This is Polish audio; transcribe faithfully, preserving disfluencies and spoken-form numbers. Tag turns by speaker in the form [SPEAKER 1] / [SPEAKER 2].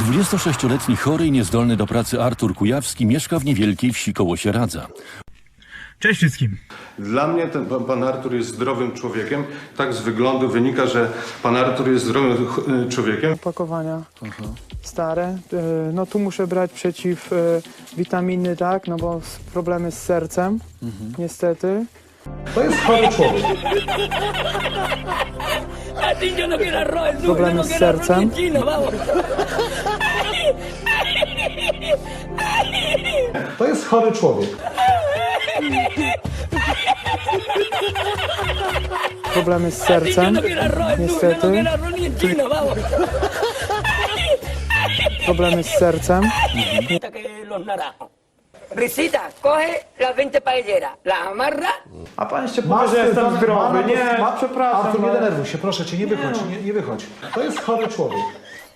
[SPEAKER 1] dwudziestosześcioletni chory i niezdolny do pracy Artur Kujawski mieszka w niewielkiej wsi koło Sieradza.
[SPEAKER 2] Cześć wszystkim.
[SPEAKER 3] Dla mnie ten pan, pan Artur jest zdrowym człowiekiem. Tak z wyglądu wynika, że pan Artur jest zdrowym ch- człowiekiem.
[SPEAKER 4] Opakowania stare. Y, No tu muszę brać przeciw y, witaminy, tak, no bo s- problemy z sercem, niestety.
[SPEAKER 5] To jest chory człowiek.
[SPEAKER 4] Problemy z sercem.
[SPEAKER 5] To jest chory człowiek.
[SPEAKER 4] Problemy z sercem, niestety. Problemy z sercem.
[SPEAKER 6] Risita, coge las veinte paelleras, las amarra.
[SPEAKER 4] A pan jeszcze
[SPEAKER 5] Masz
[SPEAKER 4] powie, że jestem
[SPEAKER 5] pan-
[SPEAKER 4] zdrowy.
[SPEAKER 5] pana-
[SPEAKER 4] Nie,
[SPEAKER 5] ma-
[SPEAKER 4] przepraszam.
[SPEAKER 5] Artur, nie
[SPEAKER 4] ale-
[SPEAKER 5] denerwuj się, proszę cię, nie wychodź, nie, nie wychodź. To jest chory człowiek.